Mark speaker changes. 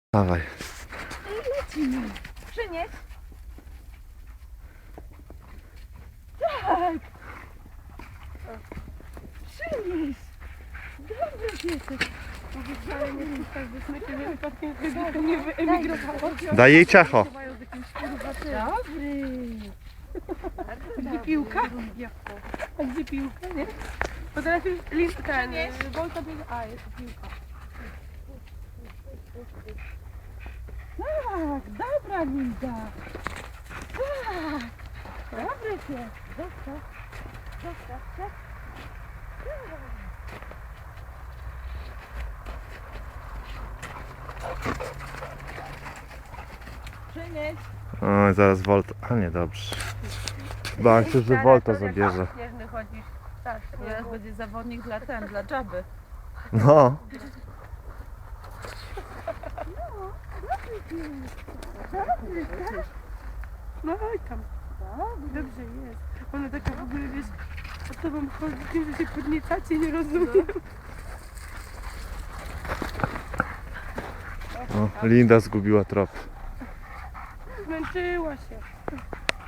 Speaker 1: Dawaj.
Speaker 2: I lecimy. Przynieś. Tak. Przynieś. Dobry piesek.
Speaker 3: Mówię, wcale nie puszczać do smyczy, nie wypadkiem, żeby to nie wyemigrowało.
Speaker 1: Daj jej ciacho.
Speaker 3: Chowają z jakimś kurwa tym.
Speaker 2: Dobry.
Speaker 3: A gdzie piłka? A gdzie piłka, nie? Bo teraz już listka, nie? Bolta biega. A, jest tu piłka.
Speaker 2: Tak, dobra Linda. Tak. Dobry pies. Zostaw. Zostaw się. Przynieś.
Speaker 1: Oj, zaraz Volta. A nie, dobrze. Bałem się, że Volta zabierze.
Speaker 3: Śnieżny chodzisz. Tak, teraz będzie zawodnik dla Dżaby.
Speaker 1: No.
Speaker 3: No oj tam. Dobrze jest. Ona taka w ogóle, wiesz, od tobą chodzi tym, że się podniecacie, nie rozumiem.
Speaker 1: O, Linda zgubiła trop.
Speaker 3: Zmęczyła się.